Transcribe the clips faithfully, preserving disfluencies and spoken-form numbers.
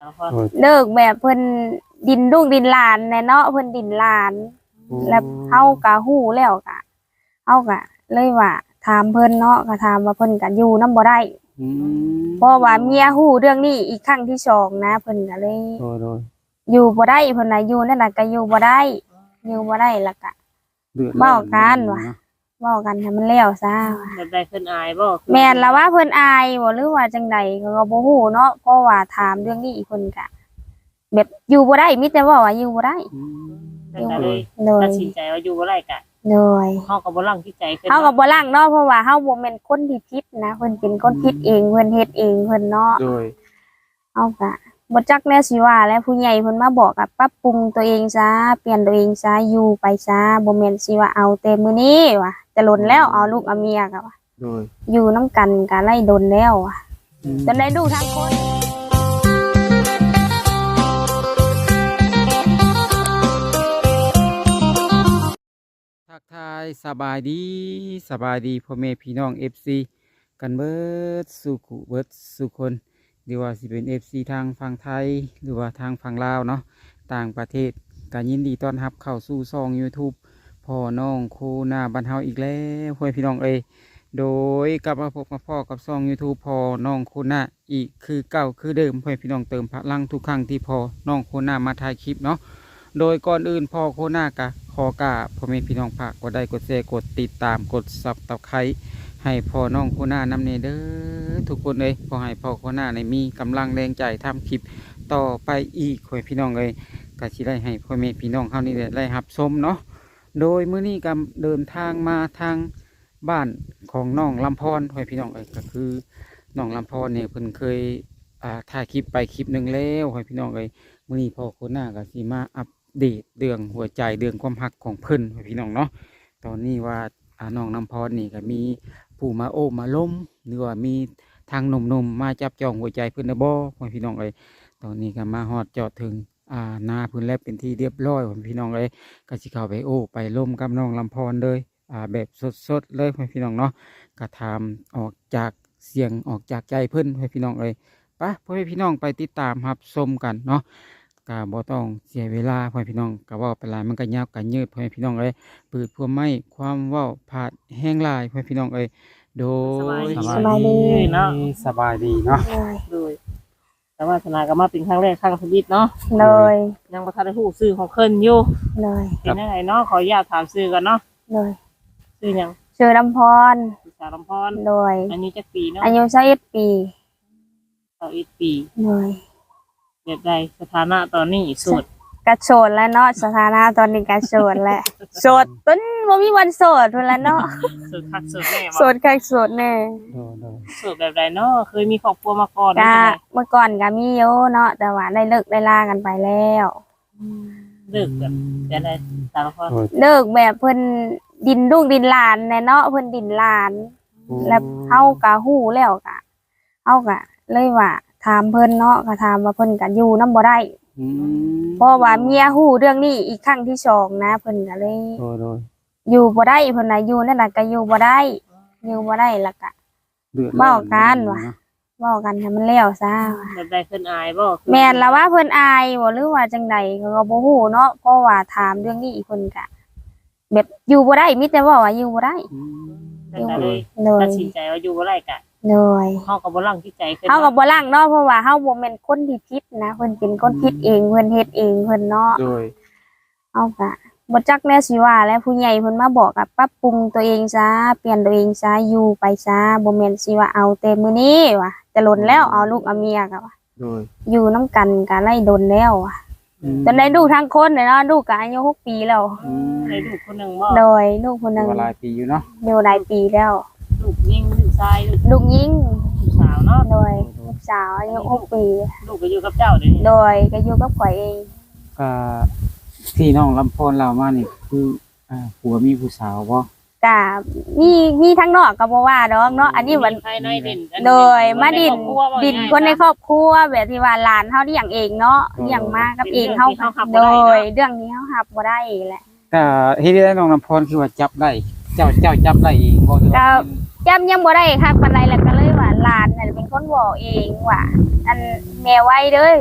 เลิกแบบเพิ่นดินลูกดินหลานแน่เนาะเพิ่นดินหลานแล้วเฮากะฮู้แล้วกะเฮากะเลยว่าถามเพิ่นเนาะก็ถามว่าเพิ่นก็อยู่นำบ่ได้เพราะว่าเมียฮู้เรื่องนี้อีกครั้งที่สองนะเพิ่นก็เลยอยู่บ่ได้เพิ่นน่ะอยู่นั่นน่ะก็อยู่บ่ได้อยู่บ่ได้แล้วก็เว้ากันว่าเว้ากันให้มันแล้วซะแบบใดเพิ่นอายบ่แม่นแล้วว่าเพิ่นอายบ่หรือว่าจังใดก็บ่ฮู้เนาะเพราะว่าถามเรื่องนี้อีกเพิ่นก็แบบอยู่บ่ได้มีแต่ว่าว่าอยู่บ่ได้แต่ก็เลยตัดสินใจว่าอยู่บ่ได้กะโดยเฮาก็บ่ลังที่ใจเพิ่นเฮาก็บ่ลังเนาะเพราะว่าเฮาบ่แม่นคนที่ผิดนะเพิ่นเป็นคนผิดเองเพิ่นเฮ็ดเองเพิ่นเนาะโดยเฮาก็บ่จักแนวสิว่าแล้วผู้ใหญ่เพิ่นมาบอกก็ปรับปรุงตัวเองซะเปลี่ยนตัวเองซะอยู่ไปซะบ่แม่นสิว่าเอาแต่มื้อนี้ว่ะจะหล่นแล้วเอาลูกเอาเมียก็ว่าโดยอยู่นำกันก็ไล่ดนแล้วว่ะจนได้ลูกทั้งคนทักทายสบายดีสบายดีพ่อแม่พี่น้อง เอฟ ซี กันเบิดสุขุเบิดสุคนหรือว่าสิเป็น เอฟ ซี ทางฝั่งไทยหรือว่าทางฝั่งลาวเนาะต่างประเทศก็ยินดีต้อนรับเข้าสู่ช่อง YouTube พ่อน้องโคนาบ้านเฮาอีกแล้วพ่อพี่น้องเอ้ยโดยกลับมาพบกับพ่อกับช่อง YouTube พ่อน้องโคนาอีกคือเก่าคือเดิมพ่อพี่น้องเติมพลังทุกครั้งที่พ่อน้องโคนามาถ่ายคลิปเนาะโดยก่อนอื่นพ่อโคนากะขอกราบพ่อแม่พี่น้องฝากกดไลค์กดแชร์กดติดตามกดซับตะไคร้ให้พ่อน้องโคน่านำเนเด้อทุกคนเลยขอให้พ่อโคน่าในมีกำลังแรงใจทำคลิปต่อไปอีกพ่อพี่น้องเลยก็สิได้ให้พ่อแม่พี่น้องเขานี่ได้รับชมเนาะโดยมื้อนี้ก็เดินทางมาทางบ้านของน้องลำพรพ่อพี่น้องเอ้ยก็คือน้องลำพรเนี่ยเพิ่นเคยอ่าถ่ายคลิปไปคลิปหนึ่งแล้วพ่อพี่น้องเลยมื้อนี้พ่อโคน่าก็สิมาอัปเดตเรื่องหัวใจเรื่องความรักของเพิ่นพี่น้องเนาะตอนนี้ว่าน้องน้ำพรนี่ก็มีผู้มาโอ้มาล้มหรือว่ามีทางหนุ่มๆมาจับจองหัวใจเพิ่นนะบ่พี่น้องเอ้ยตอนนี้ก็มาฮอดจอดถึงอ่านาเพิ่นแล้วเป็นที่เรียบร้อยพี่น้องเอ้ยก็สิเข้าไปโอ้ไปล้มกับน้องลำพรเลยอ่าแบบสดๆเลยพี่น้องเนาะก็ถามออกจากเสียงออกจากใจเพิ่นพี่น้องเอ้ยไปพ่อพี่น้องไปติดตามรับชมกันเนาะกาบ่ต้องเสียเวลาพ่อพี่น้องกะว่าไปหลายมันก็ยาวกันยืดพ่อพี่น้องเอ้ยปืดพวกไม้ความว่าผาดแห้งลายพ่อพี่น้องเอ้ยโดยสบายดีเนาะสบายดีเนาะโดยแต่ว่าสนาก็มาเป็นครั้งแรกครั้งชีวิตเนาะเลยยังบ่ทันได้ฮู้ชื่อของเพิ่นอยู่เลยเป็นจังไดเนาะขออนุญาตถามชื่อก่อนเนาะเลยชื่อหยังชื่อลำพรชื่อสาวลำพรเลยอายุจักปีเนาะอายุยี่สิบเอ็ดปียี่สิบเอ็ดปีเลยแบบใดสถานะตอนนี้โสดกระโสดแล้วเนาะสถานะตอนนี้กระโสดแหละโสดต้นบ่มีวันโสดพุ่นละเนาะโสดคักโสดแน่โสดคักโสดแน่โสดแบบใดเนาะเคยมีครอบครัวมาก่อนก็เมื่อก่อนก็มีอยู่เนาะแต่ว่าได้เลิกได้ลากันไปแล้วเลิกแบบแต่ใดสารพัดเลิกแบบเพิ่นดินลูกดินหลานแน่เนาะเพิ่นดินหลานแล้วเฮาก็ฮู้แล้วก็เฮาก็เลยว่าถามเพิ่นเนาะก็ถามว่าเพิ่นก็อยู่นำบ่ได้เพราะว่าเมียฮู้เรื่องนี้อีกครั้งที่สองนะเพิ่นก็เลยอยู่บ่ได้เพิ่นน่ะอยู่นั่นน่ะก็อยู่บ่ได้อยู่บ่ได้แล้วก็เว้ากันว่าเว้ากันให้มันแล้วซะแบบใดเพิ่นอายบ่แม่นแล้วว่าเพิ่นอายบ่หรือว่าจังใดก็บ่ฮู้เนาะเพราะว่าถามเรื่องนี้อีกเพิ่นก็แบบอยู่บ่ได้มีแต่ว่าว่าอยู่บ่ได้แต่ก็เลยตัดสินใจว่าอยู่บ่ได้กะโดยเฮาก็บ่ลังที่ใจเพิ่นเฮาก็บ่ลังเนาะเพราะว่าเฮาบ่แม่นคนที่ผิดนะเพิ่นเป็นคนผิดเองเพิ่นเฮ็ดเองเพิ่นเนาะโดยเฮาก็บ่จักแนวสิว่าแล้วผู้ใหญ่เพิ่นมาบอกก็ปรับปรุงตัวเองซะเปลี่ยนตัวเองซะอยู่ไปซะบ่แม่นสิว่าเอาแต่มื้อนี้ว่ะจะหล่นแล้วเอาลูกเอาเมียก็ว่าโดยอยู่นำกันก็ไล่ดนแล้วว่ะจนได้ลูกทั้งคนเลยเนาะลูกก็อายุหกปีแล้วได้ลูกคนนึงบ่โดยลูกคนนึงหลายปีอยู่เนาะอยู่หลายปีแล้วลูกยิงลูกชายลูกยิงสาวเนาะโดยลูกสาวอายุหกปีลูกก็อยู่กับเจ้าเด้โดยก็อยู่กับข่อยเองก็ที่น้องลำพรเรามานี่คืออ่าผัวมีผู้สาวบ่ก็มีมีทั้งนอกก็บ่ว่าดอกเนาะอันนี้มันโดยมาดินดินคนในครอบครัวแบบที่ว่าหลานเฮาเลี้ยงเองเนาะเลี้ยงมากับเองเฮาโดยเรื่องนี้เฮารับบ่ได้แหละแต่เฮ็ดได้น้องลำพรคือว่าจับได้เจ้าเจ้าจับได้เองบ่ก็จำยังบ่ได้ค่ะปานใดแล้วก็เลยว่าหลานน่ะเป็นคนบอกเองว่าอันแม่ไว้เด้อว่า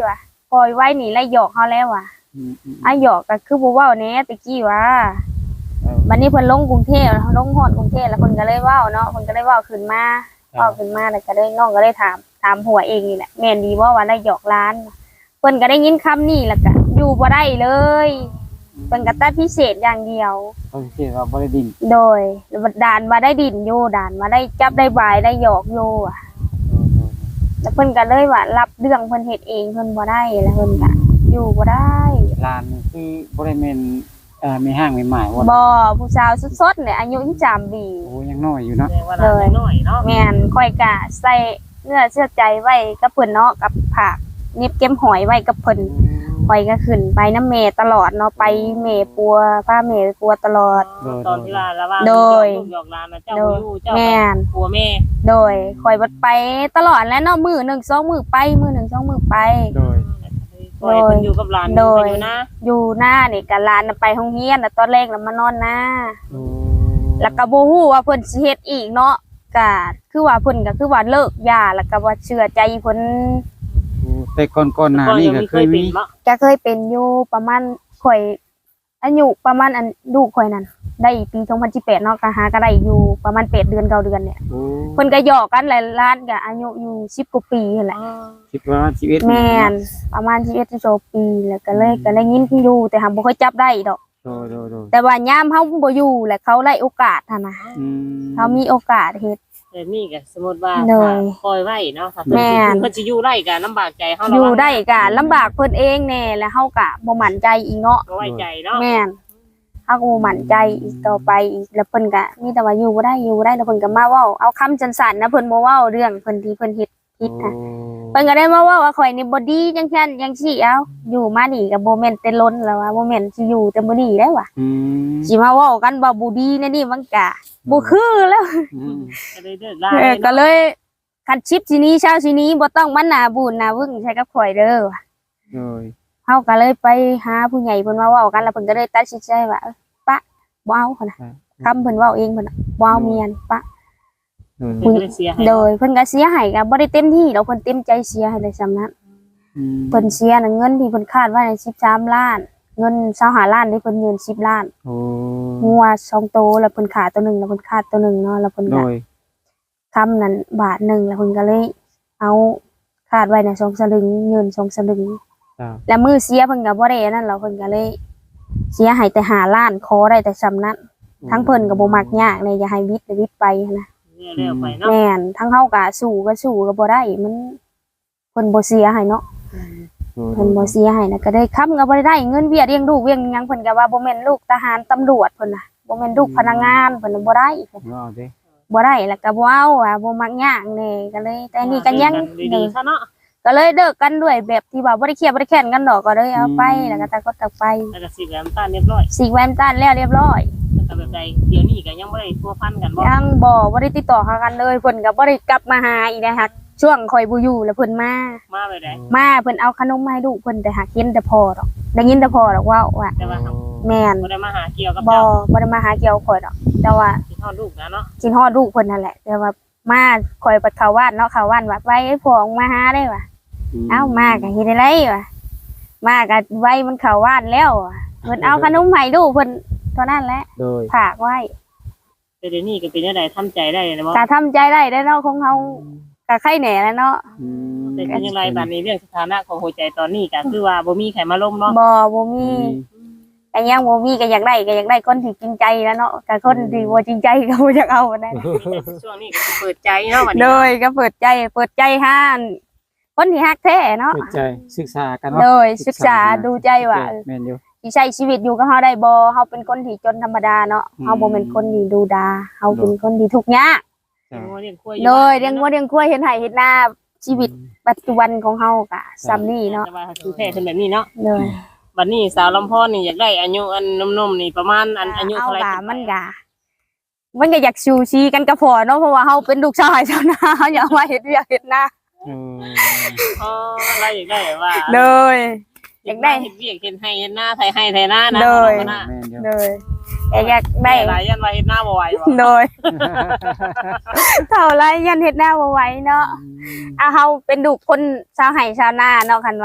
ปล่อยไว้นี่ไล่หยอกเฮาแล้วว่ะอืมอืมอ้ายหยอกก็คือบ่เว้าแหน่ตะกี้ว่าเออบัดนี้เพิ่นลงกรุงเทพลงฮอดกรุงเทพแล้วเพิ่นก็เลยเว้าเนาะเพิ่นก็เลยเว้าขึ้นมาเว้าขึ้นมาแล้วก็เลยน้องก็เลยถามถามหัวเองนี่แหละแม่นดีบ่ว่าไล่หยอกหลานเพิ่นก็ได้ยินคำนี้แล้วก็อยู่บ่ได้เลยเพิ่นก็ตัดพิเศษอย่างเดียวเขาสิว่าบ่ได้ดินโดยด่านมาได้ดินอยู่ด่านมาได้จับได้บายได้หยอกอยู่อะเออเออแล้วเพิ่นก็เลยว่ารับเรื่องเพิ่นเฮ็ดเองเพิ่นบ่ได้แล้วเพิ่นก็อยู่บ่ได้ลานนี่คือบ่ได้แม่นเอ่อมีห้างมีหมายว่าบ่ผู้สาวสดๆเนี่ยอายุยี่สิบสามปีโอ้ยังน้อยอยู่เนาะแสดงว่าหลานน้อยเนาะแม่นค่อยกะใส่เนื้อเชื่อใจไว้กับเพิ่นเนาะกับผักนิบเก็มหอยไว้กับเพิ่นข่อยก็ขึ้นไปน้ำเมตลอดเนาะไปเมปัวพาเมไปปัวตลอดตอนที่ว่าระหว่างโดยลูกหยอกหลานนะเจ้าบ่อยู่เจ้าแม่นผัวแม่โดยข่อยบัดไปตลอดแล้วเนาะมื้อหนึ่งสองมื้อไปมื้อหนึ่งสองมื้อไปโดยปล่อยเพิ่นอยู่กับหลานโดยอยู่นะอยู่หน้านี่ก็หลานน่ะไปโรงเรียนน่ะตอนแรกน่ะมานอนหน้าโอ้แล้วก็บ่ฮู้ว่าเพิ่นสิเฮ็ดอีกเนาะก็คือว่าเพิ่นก็คือว่าเลิกยาแล้วก็ว่าเชื่อใจเพิ่นโอ้แต่ก่อนก่อนหน้านี้ก็เคยมีเนาะก็เคยเป็นอยู่ประมาณข่อยอายุประมาณอันลูกข่อยนั่นได้ปีสองพันสิบแปดเนาะก็หาก็ได้อยู่ประมาณแปดเดือนเก้าเดือนเนี่ยโอ้เพิ่นก็หยอกกันหลายล้านก็อายุอยู่สิบกว่าปีนั่นแหละคิดว่าชีวิตแม่นประมาณสิบเอ็ดสิบสองปีแล้วก็เลยก็ได้ยินอยู่แต่หาบ่ค่อยจับได้ดอกโดยโดยโดยแต่ว่ายามเฮาบ่อยู่แหละเขาได้โอกาสหั่นน่ะอืมเขามีโอกาสเฮ็ดแต่นี่ก็สมมุติว่าโดยถ้าปล่อยไว้เนาะถ้าแม่นเพิ่นสิอยู่ได้ก็ลำบากใจเฮาอระยู่วังได้ก็ลำบากเพิ่นเองแน่แล้วเฮาก็บ่มั่นใจอีกเนาะบ่ไว้ใจเนาะแม่นเฮาก็บ่มั่นใจอีกต่อไปอีกแล้วเพิ่นก็มีแต่ว่าอยู่บ่ได้อยู่บ่ได้แล้วเพิ่นก็มาเว้าเอาคำสั้นๆนะเพิ่นบ่เว้าเรื่องเพิ่นที่เพิ่นเฮ็ดผิดน่ะโอ้เพิ่นก็ได้มาเว้าว่าข่อยนี่บ่ดีจังซั่นจังซี่เอ้าอยู่มานี่ก็บ่แม่นแต่ล้นแล้วว่าบ่แม่นสิอยู่แต่บ่ดีได้ว่ะอืมสิมาเว้ากันว่าบ่ดีในนี่มันก็บ่คือแล้วอืมก็เลยเลิกลาเออก็เลยคันชิปสิหนี้เช้าสิหนี้บ่ต้องมาหน้าบูนหน้าวึ่งใช้กับข่อยเด้อว่ะโดยเฮาก็เลยไปหาผู้ใหญ่เพิ่นมาเว้ากันแล้วเพิ่นก็เลยตัดสินใจว่าเอ้ยปะบ่เอาพุ่นน่ะคำเพิ่นเว้าเองเพิ่นน่ะบ่เอาเมียนปะโดยเพิ่นก็เลยเสียให้โดยเพิ่นก็เสียให้ก็บ่ได้เต็มที่ดอกเพิ่นเต็มใจเสียให้เลยซำนั้นอืมเพิ่นเสียน่ะเงินที่เพิ่นคาดไว้ในสิบสามล้าน เงินยี่สิบห้าล้านที่เพิ่นยืนสิบล้านโอ้งัวสองโตวแล้วเพิ่นขาดตัวหนึงแล้วเพิ่นขาดตัวหนึงเนาะแล้วเพิ่นโดก็ยคำนั้นบาทหนึงแล้วเพิ่นก็เลยเอาคาดไว้น่ะสองสลึงยืนสองสลึงจ้าแล้วมือเสียเพิ่นก็บ่ได้อันนั้นแล้วเพิ่นก็เลย เสียให้แต่ห้าล้านขอได้แต่ซำนั้น ทั้งเพิ่นก็บ่มักยากเลยอย่าให้วิทย์วิทย์ไปหั้นนะเรื่อยๆไปเนาะแม่นทั้งเฮาก็สู้ก็สู้ก็บ่ได้มันเพิ่นบ่เสียให้เนาะโดยเพิ่นบ่เสียให้นะก็ได้ค้ำก็บ่ได้เงินเบี้ยเลี้ยงลูกเลี้ยงหยังเพิ่นก็ว่าบ่แม่นลูกทหารตำรวจเพิ่นน่ะบ่แม่นลูกพนักงานเพิ่นน่ะบ่ได้เอาเด้บ่ได้แล้วก็บ่เอาอ่ะบ่มักยากแน่ก็เลย แต่นี่ก็ยังดีๆซะเนาะก็เลยเลิกกันด้วยแบบที่ว่าบ่ได้เครียดบ่ได้แค้นกันดอกก็เลยเอาไปแล้วก็ตะกดตะไปแล้วก็สิแหลมตาเรียบร้อยสิกแวนตันแล้วเรียบร้อยแล้วก็แบบใดเดี๋ยวนี้ก็ยังบ่ได้พัวพันกันบ่ยังบ่บ่ได้ติดต่อหากันเลยเพิ่นก็บ่ได้กลับมาหาอีกนะคะช่วงข่อยบ่อยู่แล้วเพิ่นมามาไปได้มาเพิ่นเอาขนมมาให้ลูกเพิ่นแต่หากินแต่พอดอกได้ยินแต่พอดอกว่าว่าแต่ว่าแม่นบ่ได้มาหาเกี่ยวกับบ่เจ้าบ่ได้มาหาเกี่ยวข่อยดอก แต่ว่าสิทอดลูกนะเนาะกินฮอดลูกเพิ่นนั่นแหละ แต่ว่ามาข่อยไปเข้าบ้านเนาะเข้าบ้านว่าไว้ให้พ่อออกมาหาได้ว่ะเอ้ามาก็เฮ็ดได้ไรว่ะมาก็ไว้มันเข้าบ้านแล้วว่ะเพิ่นเอาขนมให้ลูกเพิ่นเท่านั้นแหละโดยฝากไว้แต่เดี๋ยวนี้ก็เป็นจังได๋ทำใจได้นะบ่ก็ทำใจได้ได้อเนาะของเฮาก็ไข่แหน่แล้วเนาะอืมแต่เป็นจังไดบัดนี้เรื่องสถานะของหัวใจตอนนี้ก็คือว่าบ่มีใครมาล้มเนาะบ่บ่มีก็ยังบ่มีก็อยากได้ก็อยากได้คนที่จริงใจแล้วเนาะก็คนที่บ่จริงใจก็บ่อยากเอาได้ช่วงนี้ก็สิเปิดใจเนาะบัดโดนี้ยก็เปิดใจเปิดใจหาคนที่ฮักแท้เนาะเปิดใจศึกษากันเนาะโดยศึกษาดูใจว่าเออแม่นอยู่ที่ใช้ชีวิตอยู่กับเฮาได้บ่เฮาเป็นคนที่จนธรรมดาเนาะอืมเฮาบ่เป็นคนที่ดูดาเฮาเป็นคนที่ทุกข์ยากจ้าเลี้ยงควายโดยเลี้ยงวัวเลี้ยงควายเฮ็ดไร่เฮ็ดนาชีวิตปัจจุบันของเฮาก็ซ้ำนี้เนาะแต่ว่าคือแท้ขึ้นแบบนี้เนาะโดยบัดนี้สาวลำพอนนี่อยากได้อายุอันนมๆนี่ประมาณอันอายุเอาเท่าไหร่ก็มันก็มันก็อยากชูชีกันก็พอเนาะเพราะว่าเฮาเป็นลูกชายชาวนาเฮาอยากมาเฮ็ดเวียกเฮ็ดนาเอออ๋ออะไรอยากได้ว่าโดย อยากได้เฮ็ดเวียกเฮ็ดให้เฮ็ดหน้าไทยให้ไทยหน้านะโดยนะแม่นอยู่โดยแต่อยากได้หลายยันว่าเฮ็ดหน้าบ่ไหวบ่โดย เท่าไรยันเฮ็ดหน้าบ่ไหวเนาะอ่ะเฮาเป็นลูกคนชาวไร่ชาวนาเนาะคันว่า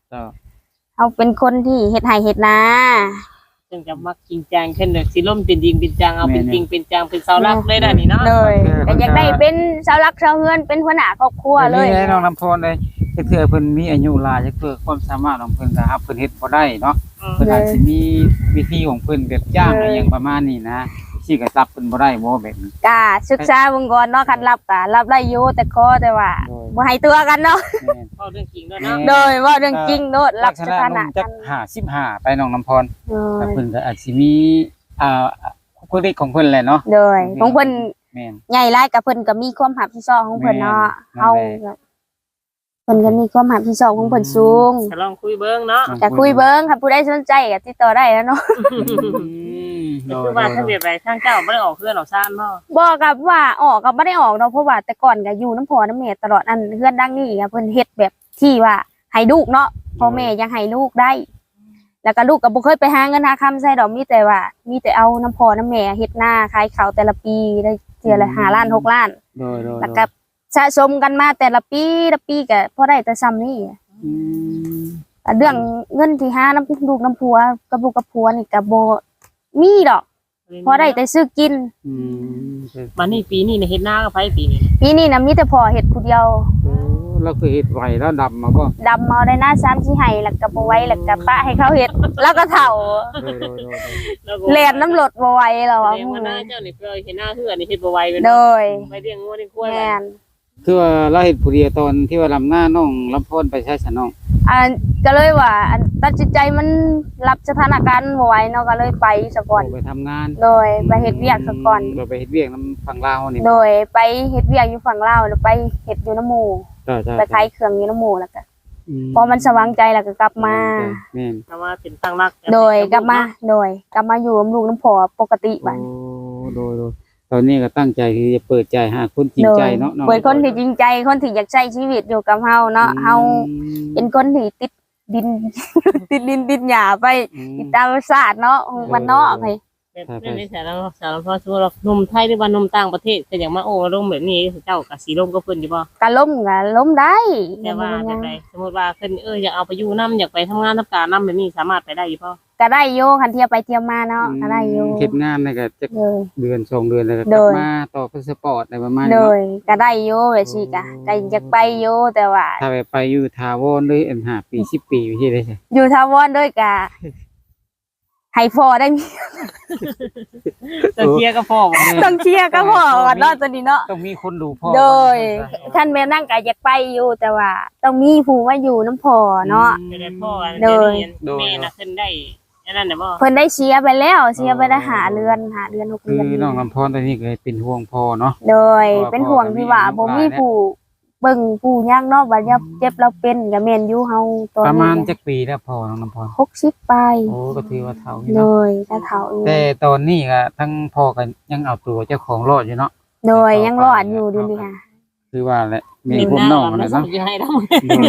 เจ้าเฮาเป็นคนที่เฮ็ดไร่เฮ็ดนาซึ่งจะมักจริงจังขึ้นเด้อสิล่มเป็นจริงเป็นจังเอาเป็นจริงเป็นจังเป็นเสาหลักเลยได้นี่เนาะเลยก็อยากได้เป็นเสาหลักเสาเฮือนเป็นหัวหน้าครอบครัวเลยนี่น้องน้ำพรเลยเทื่อเพิ่นมีอายุหลายจักเทื่อความสามารถของเพิ่นก็ครับเพิ่นเฮ็ดบ่ได้เนาะอืมเพิ่นอาจสิมีวิธีของเพิ่นแบบจ้างอะไรอย่างประมาณนี้นะสิก็รับเพิ่นบ่ได้บ่แบบนี้กะศึกษาเบิ่งก่อนเนาะคันรับก็รับได้อยู่แต่ขอแต่ว่าโดยบ่ให้ตัวกันเนาะแม่นเว้าเรื่องจริงด้วยเนาะโดยว่าเรื่องจริงโนดรัลับกษสณะถานุ่นะมกัจักนห้าสิบห้าไปน้องน้ำพรโดแต่ยเพิ่นก็อาจสิมีอ่าคุลิกของเพิ่นแหละเนาะโดยของเพิ่นแม่นใหญ่หลายกับเพิ่นก็มีความรับผิดชอบของเพิ่นเนาะแม่นเฮาก็เพิ่นก็มีความรับผิดชอบของเพิ่นสูงจะลองคุยเบิ่งเนาะก็คุยเบิ่งค่ะผู้ใดสนใจก็ติดต่อได้แล้วเนาะโดคืยอว่าถ้าเบียดไปทางเจ้าบ่ได้ออกเพื่อนออกซ่านบ่บอกกับว่าออกก็บ่ได้ออกเนาะเพราะว่าแต่ก่อนก็อยู่น้ำพ่อน้ำแม่ตลอดอันเฮือนดังนี้ก็เพิ่นเฮ็ดแบบที่ว่าให้ลูกเนาะพ่อแม่ยังให้ลูกได้ แล้วก็ลูกก็บ่เคยไปหาเงินหาคำใส่ดอกมีแต่ว่า มีแต่เอาน้ำพ่อน้ำแม่เฮ็ดนาขายข้าวแต่ละปีได้เทื่อละห้าล้านหกล้านโดยโดยแล้วก็สะสมกันมาแต่ละปีละปีก็พอได้แต่ซ้ำนี่อืมแต่เรื่องเงินที่หาน้ำลูกน้ำผัวกับลูกกับผัวนี่ก็บ่มีดอกพอได้แต่ซื้อกินอืมมานี่ปีนี้เนี่ยเฮ็ดนากับไผปีนี้ปีนี้นะมีแต่พ่อเฮ็ดผู้เดียวโอ้เราคือเฮ็ดไหวแล้วดำมาบ่ดำเอาได้หน้าซ้ำสิให้แล้วก็บ่ไหวแล้วก็ปะให้เขาเฮ็ดแล้วก็เฒ่าโดยโดยโดยแล้วก็แล่นน้ำรถบ่ไหวแล้วแสอ่ะดงว่าหน้าเจ้านี่เพิ่นเฮ็ดนาเฮือนี่เฮ็ดบ่ไหวเว้ยโดเนาะยไปเลี้ยงงัวเลี้ยงควายแม่นคือว่าเราเฮ็ดผู้เดียวตอนที่ว่าลำหน้าน้องลำพรไปใช้สนองอันก็เลยว่าอันตัดสินใจมันรับสถานการณ์บ่ไหวเนาะก็เลยไปซะก่อนไปทำงานโดยไปเฮ็ดเวียกซะก่อนเราไปเฮ็ดเวียกน้ำฝั่งลาวนี่โดยไปเฮ็ดเวียกอยู่ฝั่งลาวแล้วไปเฮ็ดอยู่น้ำหมู่ใช่ใช่ไปขายเครื่องอยู่น้ำหมู่แล้วก็อืพอมันสว่างใจแล้วก็กลับมาแม่นแต่ว่าเป็นตั้งรักโดยกลับมาโดยกลับมาอยู่กับลูกน้ำพอปกติบัดโอ้โดยโดยตอนนี้ก็ตั้งใจที่จะเปิดใจหาคนจริงโดใจยเนาะองเปิดคนที่จริงใจคนที่อยากใช้ชีวิตอยู่กับเฮาเนาะเฮาเป็นคนที่ติดดิน ติดดินติดหญ้าไปอืมติดตามศาสตร์เนาะมันเนาะให้แบบนี้ในสารสารพัดสมมุติว่าหนุ่มไทยหรือว่าหนุ่มต่างประเทศก็อย่างมาโอ้ร่มแบบนี้เจ้าก็สิร่มก็เพิ่นอยู่บ่ก็ล้มก็ล้มได้แต่ว่าแบบใดสมมุติว่าเพิ่นเอออยากเอาไปอยู่นํอยากไปทำงานทำการนํแบบนี้สามารถไปได้อยู่บ่ก็ได้อยู่คันเที่ยวไปเที่ยวมาเนาะก็ได้อยู่เฮ็ดงานนี่ก็จะโดยเดือนสองเดือนแล้วก็กโดลับยมาต่อพาสปอร์ตอะไรประมาณโดนี้ยก็ได้อยู่แบบซี่ก็ก็อยากไปอยู่แต่ว่าถ้าไปไปอยู่ทาวอนเลยอันห้าปีสิบปีไปที่ได้ใช่อยู่ทาวอนด้วยก็ให้พอได้มีจะเคลียร์ก็พอบ่ต้องเชียร์ก็พอก่อนเนาะตัวนี้เนาะต้องมีคนดูพ่อโดยท่านแม่นั่งก็อยากไปอยู่แต่ว่า ต้องมีผู้มาอยู่น้ำพอเนาะจะได้พ่อกันโดยเดี๋ยวนี้แม่น่ะขึ้นได้อันนั้นน่ะบ่เพิ่นได้เชียร์ไปแล้วเชียร์ไปได้หาเรือนหาเรือนหกคือเรือนน้องลำพรตอนนี้เคยเป็นห่วงพ่อเนาะโดยเป็นห่วงที่ว่าบ่มีผู้เบิ่งผู้ย่างเนาะบัดยามเจ็บเราเป็นก็แม่นอยู่เฮาตอนประมาณนี้จักปีแล้วพ่อน้องลำพรหกสิบไปโอ้ก็ถือว่าเฒ่าอยู่โดเนาะยถ้าเฒ่าอยู่แต่ตอนนี้ก็ทั้งพ่อกันยังเอาตัวเจ้าของรอดอยู่เนาะโดยยังรอดอยู่เดี๋ยวนี้ค่ะคือว่าแหละมีผมน้องนะนะเนาะเนาะสิให้เรา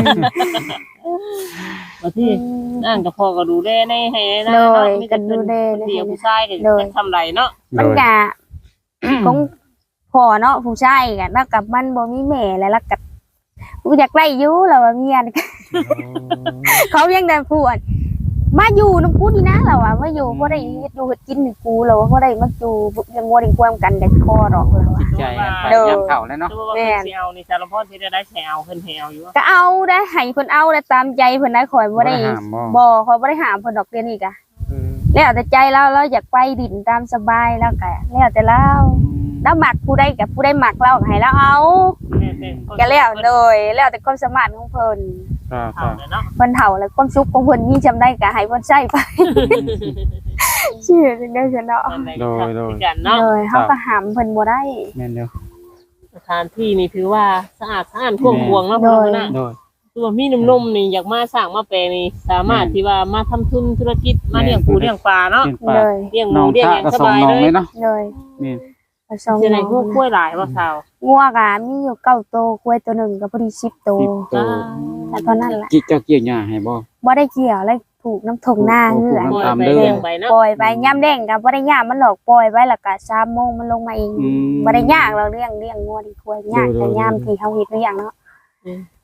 บ่ที่นั่นก็พ่อก็ดูแลในให้นะโดเนาะยมีก็แต่ดูเพิ่นแลเดียวให้ผู้ชายก็โดยจะทำไรเนาะมัน ก็ของพ่อเนาะผู้ชายก็แล้วกับมันบ่มีแม่แล้วแล้วก็กูอยากไล่อยู่แล้วว่าเมียนี่ เขายังได้พูดมาอยู่น้ำกูนี่นะเราอะมาอยู่เพราะได้เฮ็ดอยู่เฮ็ดกินนี่กูเราเพราะได้มาอยู่ยังงัวได้ความกันได้คอดอกเราอะใจกันไปโดยยามเฒ่าแล้วเนาะตัวว่าเพิ่นสิเอานี่สารพัดที่ได้ใช้เอาเพิ่นให้เอาอยู่ว่าก็เอาได้ให้เพิ่นเอาได้ตามใจเพิ่นได้ข่อยบ่ได้ห้ามบ่บ่ข่อยบ่ได้ห้ามเพิ่นดอกเดี๋ยวนี้กะแล้วแต่ใจเราเราอยากไปดินตามสบายแล้วก็แล้วแต่เราแล้วมักผู้ใดกับผู้ใดมักเราก็ให้เราเอาก็แล้วโดยแล้วแต่ความสามารถของเพิ่นก็เอาเลยเนาะเพิ่นเฒ่าแล้วความสุขของเพิ่นมีจำได้ก็ให้เพิ่นใช้ไป ชื่อจังได้ซั่นเนาะโดยโดยกันเนาะโดยเฮาก็ห้ามเพิ่นบ่ได้แม่นเด้อสถานที่นี่ถือว่าสะอาดสะอาดท่วมพวงเนาะโดเพิ่ยนนะโดยคือว่ามีหนุ่มๆนี่อยากมาสร้างมาแปลนี่สามารถที่ว่ามาทำทุนธุรกิจมาเลี้ยงปูเลี้ยงปลาเนาะเป็นปลาเลยเลี้ยงหน้มูองเลี้ยงชาหยังก็สสองบายน้องเลเลย ยเนาะเลยนี่ผสมจะได้คู่กล้วยหลายบ่สาวงัวก็มีอยู่เก้าโตวกล้วยตัวหนึงก็พอดีสิบโตวสิบตัวแต่เท่านั้นแหละกิเจ้าเกี่ยวหญ้าให้บ่บ่ได้เกี่ยวเลยถูกน้ำทงหน้าเหือโอ้ปล่อยตามไปเด้อเลี้ยงไปเนาะปล่อยไปย่ำแดงก็บ่ได้ย่ามมันหลอกปล่อยไว้แล้วก็สามโมงมันลงมาเองอืมบ่ได้ยากเราเลี้ยงเลี้ยงงัวดีกว่ายากโดยแต่โดยย่ามที่เฮาเฮ็ดเลี้ยงเนาะ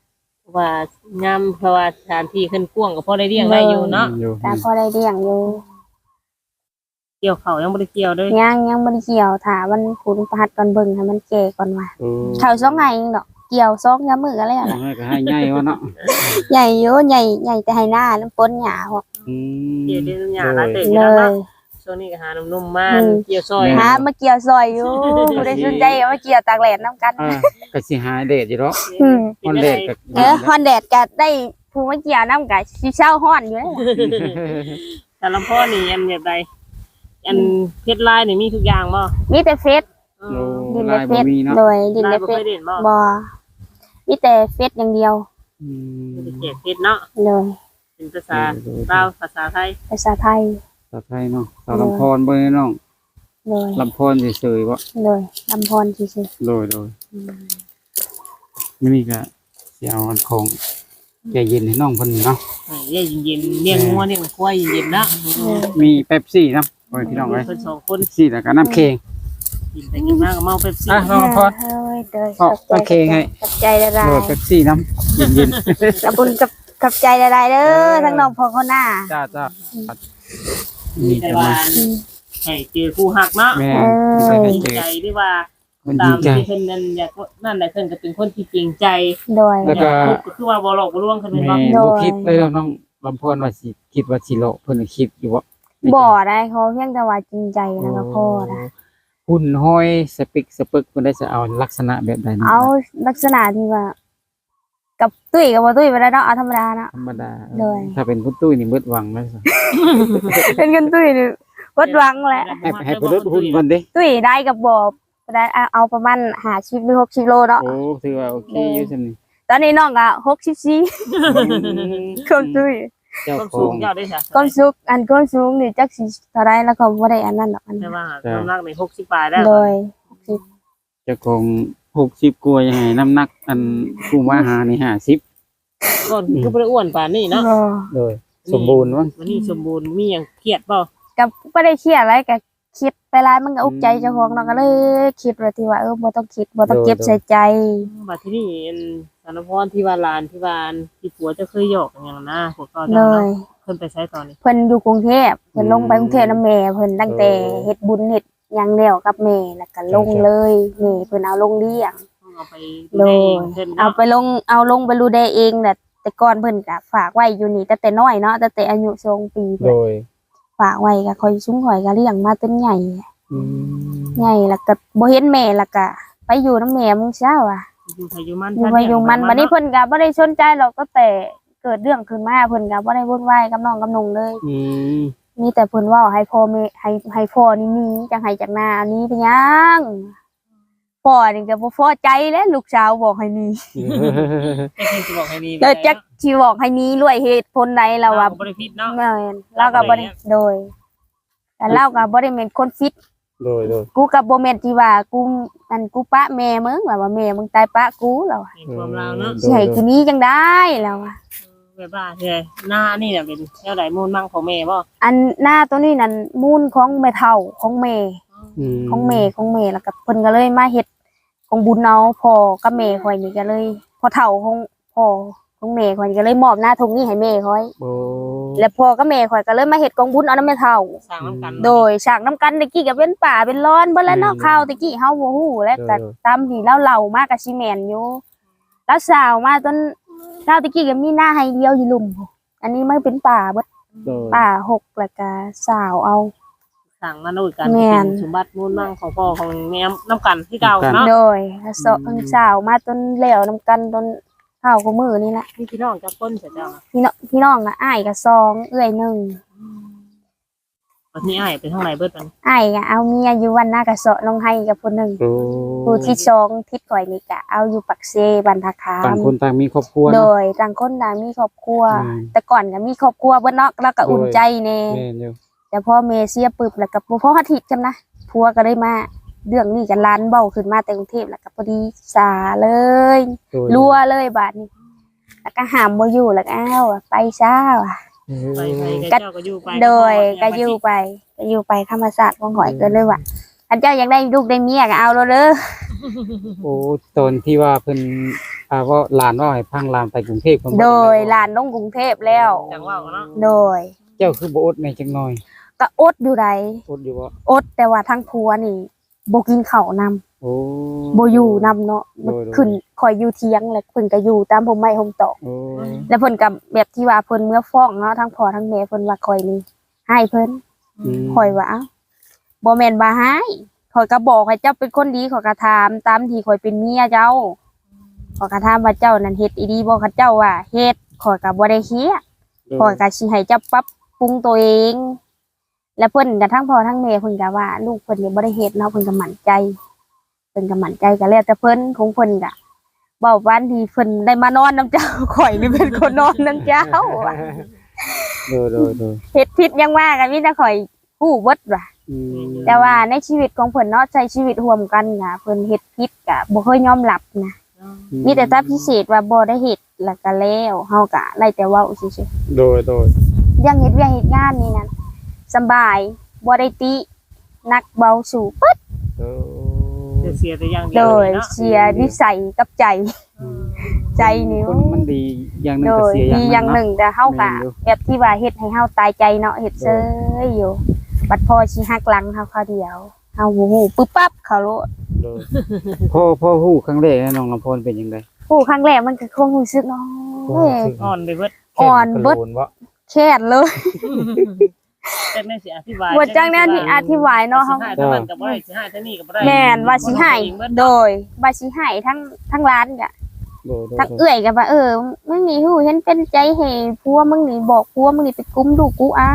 ว่างามเพราะว่าสถานที่ขึ้นกว้างก็พอได้เลี้ยงได้อยู่เนาะอยู่แต่พอได้เลี้ยงอยู่เกี่ยวเขายังบ่ได้เกี่ยวเลยยังยังบ่ได้เกี่ยวถ้ามันขุนประหัดก่อนเบิ่งให้มันแก่ก่อนว่าโอ้เขาสองไห้เองดอกเกี่ยวสองยามมื้อก็แล้วล่ะให้ก็ให้ใหญ่วะเนาะใหญ่อยู่ใหญ่ใหญ่แต่ให้หน้าแล้วปนหญ้าพวกอืมเกี่ยวเดือนหยาละเตะเลแล้วเนาะยช่วงนี้ก็หาหนุ่มๆมาอืมเกี่ยวซอยหามาเกี่ยวซอยอยู่บ่ได้สนใจก็มาเกี่ยวตากแดดนํกันอ่าก็สิหาเดทอยู่เนาะอืมฮอนเดทก็เออฮอนแดดก็ได้ผู้มาเกี่ยวนํก็สิเช้าฮ้อนอยู่แล้วแต่ลำพ่อนี่อันแบบใดอันเพชรลายนี่มีทุกอย่างบ่มีแต่เฟซเอโอ้อดินลาในยเฟบ่ซมีเนาะโดยดินลาในยบ่เฟเคซยเด่นบ่บ่มีแต่เฟซอย่างเดียวอืมบ่ได้เขียนเพชรเนาะเลยเป็นภาษาลาวภาษาไทยภาษาไทยสาวไทยเนาะสาวลำพรบ่ได้น้องเลยลำพรเฉยๆบ่เลยลำพรซื่อโดยโดยมื้อนี้ก็สิเอาอันของแกเย็นให้น้องเพิ่นเนาะให้เย็นเย็นๆเลี้ยงงัวเลี้ยงควายเย็นๆเนาะมีเป๊ปซี่นำโอ้ยพี่น้องเอ้ยเพิ่นสองคนเป๊ปซี่แล้วก็น้ำเค็งกินไปกินมาก็เมาเป๊ปซี่อ่ะๆน้องพรเฮ้ยเด้อเอาขอบใจโอเคไงขอบใจละลาโดยยเป๊ปซี่น้ำเย็นขอบคุณกับขอบใจละลายเด้อทั้งน้องพ่อคนหน้าๆจ้าจ้านี่แต่จะว่ามาให้เจอคู่หักเนาะแม่เออไม่ได้จริงเจอใจหรือว่ามันตาดีมใจที่เพิ่นนั่นอยากนั่นแหละเพิ่นก็เป็นคนที่จริงใจโดยแล้วก็ก็คือว่าบ่หลอกบ่ลวงเพิ่นเป็นแม่บ่บ่คิดเลยน้องลำพรว่าสิคิดว่าสิโลเพิ่นน่ะคิดอยู่ว่าบ่ได้เขาเพียงแต่ว่าจริงใจแล้วก็พอนะหุ่นห้อยสปิกสปึกเพิ่นได้จะเอาลักษณะแบบใดนี่เอาลักษณะที่ว่า กับตุ้ยกับบ่ตุ้ยไปแล้วเนาะเอาธรรมดาเนาะธรรมดาเลยถ้าเป็นคุณตุ้ยนี่เบิดหวังแล้วสิเป็นกันตุ้ยนี่วัดหวังแหละให้ให้เพิ่นลดหุ่นก่อนดิตุ้ยได้กับบ่ได้เอาเอาประมาณห้าสิบหรือหกสิบโลเนาะโอ้ถือว่าโอเคอยู่ซั่นนี่ตอนนี้น้องก็หกสิบสี่ความตุ้ยเจ้าความขอสูงงยอดได้ค่ะความสูงอันความสูงนี่จักสิเท่าไรแล้วก็บ่ได้อันนั้นดอกอันแต่นั้นว่าน้ำหนักในหกสิบปลายได้เลยเจ้าของหกสิบกว่ายังไงน้ำหนักอันผู้มาหานี่ห้าสิบก็คือบ่ได้อ้วนปานนี้เนาะบ่เลยสมบูรณ์มั้งวันนี้สมบูรณ์มีหยังเครียดเปล่าก็บ่ได้เครียดอะไรก็คิดไปหลายมันก็อุกใจเจ้าของเนาะก็เลยคิดว่าที่ว่าเออบ่ต้องคิดบ่ต้องเก็บใส่ใจบัดที่นี่อันสารพรที่ว่าลานที่ว่าอันที่ผัวจะเคยหยอกกันอย่างนะพวกก็เลเนาะยเพิ่นไปใช้ตอนนี้เพิ่นอยู่กรุงเทพเพิ่นลงไปกรุงเทพนํแม่เพิ่นตั้งแต่เฮ็ดบุญเฮ็ดหยังแล้วกับแม่แล้วก็ลงเลยแม่เพิ่นเอาลงเลี้ยงเอาไปโดดูยเองเพิ่นเอาไปลงเอาลงไปรูแดเองแหละแต่ก่อนเพิ่นก็ฝากไว้อยู่นี่ตั้งแต่น้อยเนาะตั้งแต่อายุสองปีโดเพิ่นยฝากไว้ก็คอยซุ้งข่อยก็เลี้ยงมาจนใหญ่อืมใหญ่แล้วก็บ่เห็นแม่แล้วก็ไปอยู่นํแม่มึงเช้าอ่ะอยู่ไผอยู่มันอยู่ไปอยู่มันบัดนี้เพิ่นก็บ่ได้สนใจหรอกก็แต่เกิดเรื่องขึ้นมาเพิ่นก็บ่ได้วุ่นวายกับน้องกับนุ่งเลยอืมมีแต่เพิ่นเว้าให้พ่อแม่ให้ให้พ่อนี่หนีจังให้จากหน้าอันนี้เป็นหยังพ่อนี่ก็บ่พอใจแล้วลูกสาวบอกให้หนีแต่เพิ่นสิบอกให้นี่แล้วจักสิบอกให้หนีด้วยเหตุผลใดเราเราว่าก็บ่ได้ผิดเนาะแม่นเราก็บ่ได้โดย แต่เราก็บ่ได้แม่นคนฟิตโดยโดยกูก็บ่แม่นที่ว่ากูอันกูปะแม่มึงว่าว่าแม่มึงตายปะกูแล้วอะในความลาวเนาะสิให้กูหนี้จังได้แล้วอะแบบว่าเฮ้ยหน้านี่น่ะเป็นแนวใดมูลมั่งของแม่บ่อันหน้าตัวนี้นั่นมูลของแม่เฒ่าของแม่มของแม่ของแม่แล้วก็เพิ่นก็เลยมาเฮ็ดของบุญเอาพ่อกับแม่ข่อยนี่ก็เลยพ่อเฒ่าของพ่อของแม่ข่อยนี่ก็เลยมอบหน้าทงนี้ให้แม่ข่อยโอ้แล้วพ่อกับแม่ข่อยก็เลยมาเฮ็ดกองบุญเอานำแม่เฒ่าสร้างน้ำกันโดยฉากน้ำกันตะกี้ก็เป็นป่าเป็นร้อนเบิ่แล้วเนาะข่าวตะกี้เฮาบ่ฮู้แล้วก็ตามที่เราเล่ามาก็สิแม่นอยู่แล้วสาวมาจนข่าวตะกี้ก็มีหน้าให้เดียวอยู่ลุ่มพู้นอันนี้มันเป็นป่าเบิดโดยป่าหกแล้วก็สาวเอาสร้างมาด้วยกันแม่นเป็นสมบัติมูลมั่งของพ่อของแม่น้ำกันที่เก่าเนาะโดยแล้วสาวสาวมาจนแล้วนํกันจนข้าวกับมือนี่แหละพี่พี่น้องจะพ้นเสร็จแล้วพี่น้องพี่น้องอ่ะอ้ายก็สองเอื้อยหนึ่งวันนี้อ้ายไปทางไหนเบิดมันอ้ายก็เอาเมียอยู่วันหน้ากระเสาะลงให้กับผู้หนึ่งโอ้ผู้ที่สองทิศข่อยนี่ก็เอาอยู่ปักเซบันทาคาต่างมคนต่างมีครอบครัวโดเนาะยต่างคนต่างมีครอบครัวอืมแต่ก่อนก็มีครอบครัวเบิ่นเนาะแล้วก็อุ่นใจแน่แม่นอยู่แต่พอเมเสียปึบแล้วก็บ่พออาทิตย์กันนะผัวก็ได้มาเรื่องนี้กันล้านเบ้าขึ้นมาแต่กรุงเทพแล้วก็พอดีสาเลยโดยรัวเลยบาดนี้ แล้วก็หามบ่อยู่แล้วก็อ้าวไปซ่าว่ะเออไปไปกับเจ้าก็อยู่ไปโดยก็อยู่ไปก็อยู่ไปธรรมศาสตร์ของข่อยก็เลยว่าอันเจ้าอยากได้ลูกได้เมียก็เอาแล้วเด้อโอ้ตอนที่ว่าเพิ่นออ่าว่าหลานว่าให้พังหลานไปกรุงเทพคนบ่โดยได้หลานลงกรุงเทพแล้วจังว่าเนาะโดยเจ้าคือบ่อดในจังหน่อยก็อดอยู่ใดอดอยู่บ่อดแต่ว่าทั้งผัวนี่บ่กินข้าวนำโอ้บ่อยู่นำเนาะโดยโดยขึ้นคอยอยู่เที่ยงแล้วเพิ่นก็อยู่ตามผมไม้ผมตอกโอ้แล้วเพิ่นก็แบบที่ว่าเพิ่นเมื่อฟ้องเนาะทั้งพ่อทั้งแม่เพิ่นว่าคอยนี่ให้เพิ่นมคอยว่าเอ้าบ่แม่นว่าให้คอยก็บอกให้เจ้าเป็นคนดีขอยก็ถามตามที่คอยเป็นเมียเจ้าขอยก็ถามว่าเจ้านั่นเฮ็ดอีดีบ่คันเจ้าว่าเฮ็ดขอยก็บ่ได้เคียดขอยก็สิให้เจ้าปรับปรุงตัวเอง แล้วเพิ่นก็ทั้งพ่อทั้งแม่เพิ่นก็ว่าลูกเพิ่นนี่บ่ได้เฮ็ดเนาะเพิ่นก็มั่นใจเพิ่นก็มั่นใจก็แล้วแต่เพิ่นของเพิ่นก็เว้าวันที่เพิ่นได้มานอนนํเจ้า ข่อยนี่เป็นคนนอนนํเจ้าว่ะโดยโดยโดยเฮ็ดผิดยังว่าก็มีแต่ข่อยฮู้เบิดว่ะอืมแต่ว่าในชีวิตของเพิ่นเนาะใช้ชีวิตร่วมกันน่ะเพิ่นเฮ็ดผิดก็บ่เคยยอมรับนะมีแต่ถ้าพิเศษว่าบ่ได้เฮ็ดแล้วก็แล้วเฮาก็ได้แต่เว้าซื่อโดยโดยๆเรื่องเฮ็ดเวียกเฮ็ดงานนี่นั่นสำบายบ่ได้ตินักเบาสู่ปึ๊ดโอ้เสียแต่อย่างเดีโดยวย เนาะเสียนิสัยกับใจ ใจนี่คนมันดีอย่างหนึงโดก็ยเสียดีออย่าย่าง งหหนึ่งนึ่งแต่เฮาก็แม่นอยู่แบบที่ว่าเฮ็ดให้เฮาตายใจเนาะเฮ็ดเซยอยู่บัดพอสิหักหลังเฮาคราวเดียวเฮาบ่ฮู้ปึ๊บปั๊บเขาโลดโดยพ่อพ่อฮู้ครั้งแรกนะน้องลำพรเป็นจังได๋ผู้ครั้งแรกมันก็คงรู้สึกเนาะเอ้ยอ่อนไปเบิดอ่อนเบิดแค่กระโลนบ่แค่นเลยแต่แม่สิอธิบายบ่จังแนวที่อธิบายเนาะเฮาสิให้ทั้งนั้นก็บ่ได้สิให้ทั้งนี้ก็บ่ได้แม่นว่าสิให้โดยว่าสิให้ทั้งทั้งร้านก็โดยโดยทั้งเอื้อยก็ว่าเออมึงนี่ฮู้เห็นเป็นใจให้ผัวมึงนี่บอกผัวมึงนี่ไปกุมลูกกูอ้าว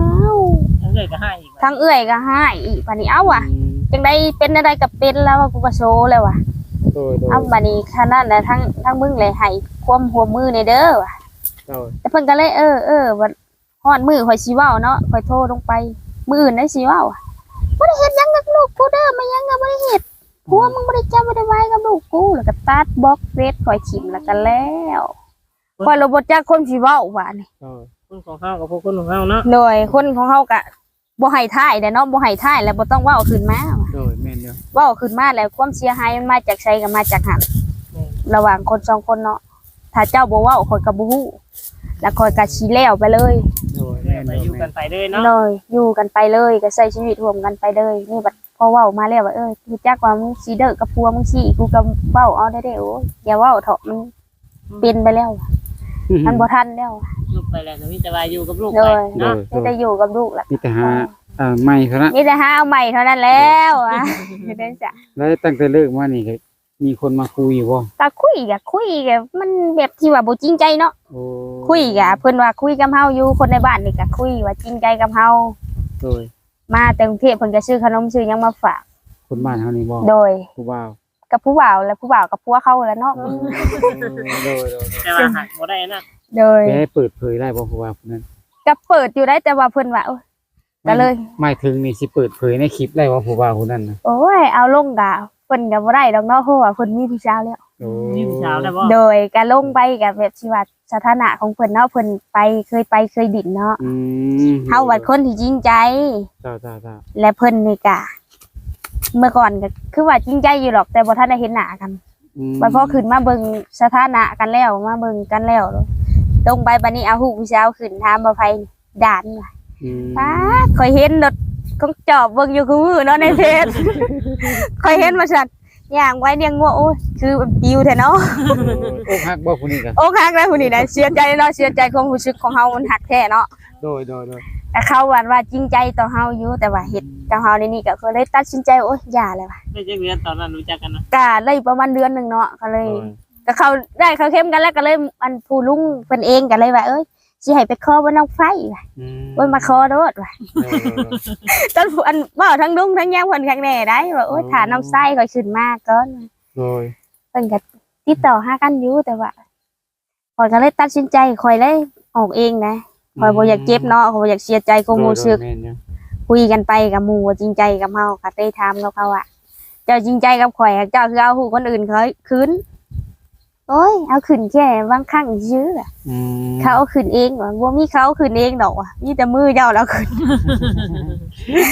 ทั้งเลยก็ให้อีกทั้งเอื้อยก็ให้อีกบัดนี้เอ้าว่ะจังได๋เป็นอะไรก็เป็นแล้วว่ากูก็โซแล้วว่ะโดยโดยเอาบัดนี้ขนาดนั้นทั้งทั้งมึงเลยให้ความหัวมือในเด้อว่ะโดยแต่เพิ่นก็เลยเออเออวันฮอดมือข่อยสิเว้าเนาะข่อยโทรลงไปมื้ออื่นได้สิเว้าอะบ่ได้เฮ็ดหยังกับลูกกูเด้อไม่หยังก็บ่ได้เฮ็ดผัวมึงบ่ได้จับบ่ได้ไว้กับลูกกูแล้วก็ตัดบล็อกเฟซข่อยขิมแล้วก็แล้วข่อยเลยบ่จักคนสิเว้าว่านี่โดยคนของเฮากับพวกคนของเฮาเนาะโดยคนของเฮาก็บ่ให้ท้ายเด้เนาะบ่ให้ท้ายแล้วบ่ต้องเว้าขึ้นมาว่ะโดยแม่นอยู่เว้าขึ้นมาแล้วความเสียหายมันมาจากไสก็มาจากหันระหว่างคนสองคนเนาะถ้าเจ้าบ่เว้าข่อยก็บ่ฮู้แล้วข่อยก็สิแล้วไปเลยโดยแม่แม่นไปอยู่อยู่กันไปเลยเนาะเลยอยู่กันไปเลยก็ใช้ชีวิตร่วมกันไปเลยนี่บัดพอเว้ามาแล้วว่าเออรู้จักว่ามึงสิเด้อกับผัวมึงสิกูก็เว้าเอาได้เด้อโอ้ยอย่าเว้าเถอะมันเป็นไปแล้วมันบ่ทันแล้วลูกไปแล้วก็มีแต่ว่าอยู่กับลูกเลไปยโดเนาะยมีแต่อยู่กับลูกล่ะมีแต่หาอ่าใหม่เท่านั้นมีแต่หาเอาใหม่เท่านั้นแล้วอ่ะเด้จ้ะแล้วตั้งแต่เลิกมานี่ก็มีคนมาคุยอยู่บ่ก็คุยก็คุยก็มันแบบที่ว่าบ่จริงใจเนาะโอ้คุยก็เพิ่นว่าคุยกับเฮาอยู่คนในบ้านนี่ก็คุยว่าจริงใจกับเฮาโดยมาแต่กรุงเทพเพิ่นก็ซื้อขนมซื้อหยังมาฝากคนบ้านเฮานี่บ่โดยผู้บ่าวกับผู้บ่าวและผู้บ่าวกับผัวเขาแหล้วเนาะโอ้โดยโดยแต่ว่าหักบ่ได้นะโดยไปให้เปิดเผยได้บ่ผู้บ่าวคนนั้นก็เปิดอยู่ได้แต่ว่าเพิ่นว่าโอ้ยก็เลยหมายถึงนี่สิเปิดเผยในคลิปได้ว่าผู้บ่าวคนนั้นน่ะโอ้ยเอาลงกะเพิ่นก็บ่ได้ดอกเนาะเพราะว่าเพิ่นมีผู้สาวแล้วโอ้มีผู้สาวแล้วบ่โดยการลงไปกับแบบชีวิตสถานะของเพิ่นเนาะเพิ่นไปเคยไปเคยดินเนาะอืมเฮาวัดคนที่จริงใจจ้าจ้าจ้าและเพิ่นนี่กะเมื่อก่อนก็คือว่าจริงใจอยู่หรอกแต่บ่ทันได้เห็นหน้ากันอืมบัดพอขึ้นมาเบิ่งสถานะกันแล้วมาเบิ่งกันแล้วตรงไปบัดนี้เอาฮู้ผู้สาวขึ้นถามว่าไผด่านว่ะอืมป้าข่อยเห็นรถของจอบเบิ่งอยู่คือมือเนาะในเพจ ข่อยเห็นว่าซั่นย่างไว้เลี้ยงงัวโอ้ยคือปิวแท้เนาะโอ้ฮักบ่ผู้นี้ก็โอ้ฮักได้ผู้นี้ได้เสียใจเนาะเสียใจความรู้สึกของเฮามันหักแท้เนาะโดยโดยโดยแต่เขาว่าว่าจริงใจต่อเฮาอยู่แต่ว่าเฮ็ดกับเฮาในนี่ก็คือเลยตัดสินใจโอ้ยอย่าเลยว่ะได้จักเดือนตอนนั้นรู้จักกันนะก็เลยประมาณเดือนหนึงเนาะก็เลยโดยก็เขาได้เขาเข้มกันแล้วก็เลยอันผู้ลุงเพิ่นเองก็เลยว่าเอ้ยสิให้ไปขอบ่น้องไฟว่ะอืมโอ้ยมาขอโดดว่ะโดยโดยโดยตอนอันเว้าทั้งลุงทั้งย่างเพิ่นข้างแน่ได้ว่าโอ้ยถ้าน้องไส้ข่อยขึ้นมาก่อนโดยเพิ่นก็ติดต่อหากันอยู่แต่ว่าข่อยก็เลยตัดสินใจข่อยเลยออกเองนะข่อยบ่อยากเจ็บเนาะข่อยบ่อยากเสียใจความรู้สึกโดยโดยแม่นอยู่คุยกันไปกับหมู่ว่าจริงใจกับเฮาก็ได้ถามกับเขาว่าเจ้าจริงใจกับข่อยเจ้าคือเอาหูคนอื่นเขาคืนโอ้ยเอาขึ้นแค่บางครั้งซื่ออะอืมเขาเอาขึ้นเองว่าบ่มีเขาเอาขึ้นเองดอกว่ะมีแต่มือเจ้าแล้วขึ้น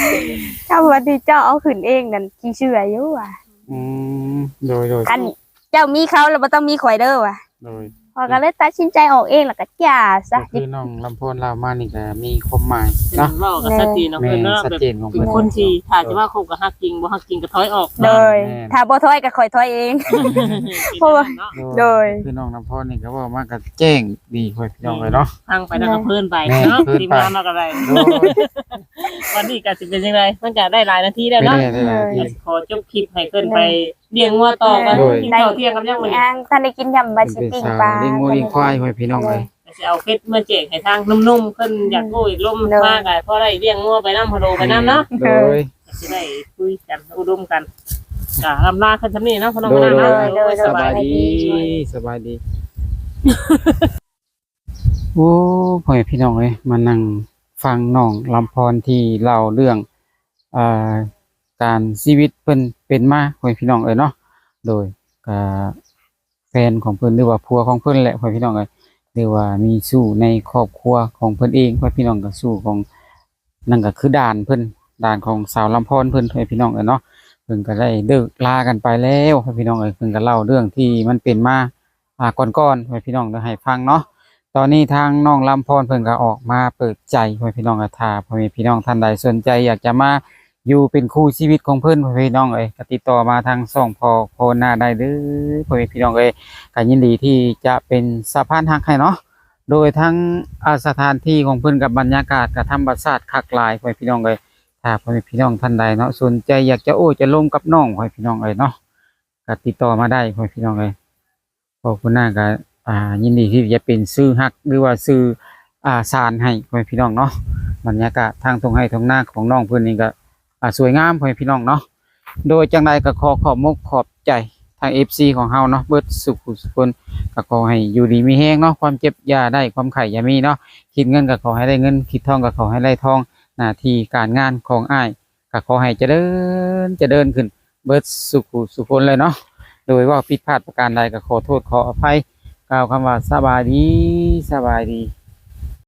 เจ้าวันที่เจ้าเอาขึ้นเองนั่นขี้เชื่ออยู่ว่ะอืมโดยโดยกันเจ้ามีเขาแล้วบ่ต้องมีข่อยเด้อว่ะโดยพอก็เลยตัดสินใจออกเองแล้วก็จ้าซะก็คือน้องลำพนเรามานี่ก็มีความหมายเนาะเว้ากับชัดเจนเนาะแม่เพิ่นเนาะชัดแบบเจนของเป็เพิ่นนคนที่ถ้าจะว่าคบกับฮักจริงบ่ฮักจริงก็ถอยออกโดยแม่นถ้าบ่ถอยก็ข่อยถอยเอง เพราะว่า โดยคือน้องลำพนนี่ก็เว่ามาก็แจ้งดีค่อยพี่น้องเลยเนาะทางไปแล้วก็เพิ่นไปแม่เนาะเพิ่นไปทีมงานมาก็ได้โดยวันนี้ก็สิเป็นจังไดมันก็ได้หลายนาทีแล้วไม่เนาะได้ได้หลายทีขอจบคลิปให้เพิ่นไปเลี้ยงงัวต่อกันโดยกินข้าวเที่ยงกับยังมื้อนี้ย่างท่านได้กินยำบาเป็นสิเป็นปิ้งสาวปลาเลี้ยงงูเลี้ยงควายค่อยพี่น้องเลยก็สิเอาเพชรมาแจกให้ทางนุ่มๆเพิ่นอยากโอ้ยลมมากอ่ะพอได้เลี้ยงงัวไปนำพะโลไปนำเนาะโดยก็สิได้คุยกันอุดมกันจ้ะลำลาคันซำนี้เนาะพอน้องโดมาย นาวโดเนาะยโดยสสบาบาย ยดีดีสบายดี โอ้พ่อแม่พี่น้องเอ้ยมานั่งฟังน้องลำพรที่เล่าเรื่องอ่าการชีวิตเพิ่นเป็นมาพ่อแม่พี่น้องเอ้ยเนาะโดยก็แฟนของเพิ่นหรือว่าผัวของเพิ่นแหละพ่อแม่พี่น้องเอ้ยหรือว่ามีสู้ในครอบครัวของเพิ่นเองพ่อแม่พี่น้องก็สู้ของนั่นก็คือด่านเพิ่นด่านของสาวลำพรเพิ่นพ่อแม่พี่น้องเอ้ยเนาะเพิ่นก็ได้เลิกลากันไปแล้วพ่อแม่พี่น้องเอ้ยเพิ่นก็เล่าเรื่องที่มันเป็นมาอ่าก่อนๆพ่อแม่พี่น้องได้ให้ฟังเนาะ ตอนนี้ทางน้องลำพรเพิ่นก็ออกมาเปิดใจพ่อแม่พี่น้องก็ถ้าพ่อแม่พี่น้องท่านใดสนใจอยากจะมาอยู่เป็นคู่ชีวิตของเพิ่นพ่อแม่พี่น้องเอ้ยก็ติดต่อมาทางช่องพอโพนาได้เด้อพ่อแม่พี่น้องเอ้ยก็ยินดีที่จะเป็นสะพานหักให้เนาะโดยทั้งอ่าสถานที่ของเพิ่นกับบรรยากาศกับธรรมชาติคักหลายพ่อแม่พี่น้องเอ้ยถ้าพ่อแม่พี่น้องท่านใดเนาะสนใจอยากจะโอ้จะลงกับน้องพ่อแม่พี่น้องเอ้ยเนาะก็ติดต่อมาได้พ่อแม่พี่น้องเอ้ยพอคุณนาก็ อ่ายินดีที่จะเป็นซื้อฮักหรือว่าซื้ออ่าสารให้พ่อแม่พี่น้องเนาะบรรยากาศทางตรงให้ตรงหน้าของน้องเพื่อนนี่ก็อ่าสวยงามพ่อแม่พี่น้องเนาะโดยจังใดก็ขอขอบมกขอบใจทาง เอฟ ซี ของเฮาเนาะเบิดสุขสุขคนก็ขอให้อยู่ดีมีแห้งเนาะความเจ็บอย่าได้ความไข่อย่ามีเนาะคิดเงินก็ขอให้ได้เงินคิดทองก็ขอให้ได้ทองหน้าที่การงานของอ้ายก็ขอให้เจริญเจริญขึ้นเบิดสุขสุขคนเลยเนาะโดยว่าผิดพลาดประการใดก็ขอโทษขออภัย กล่าวคำว่าสบายดีสบายดี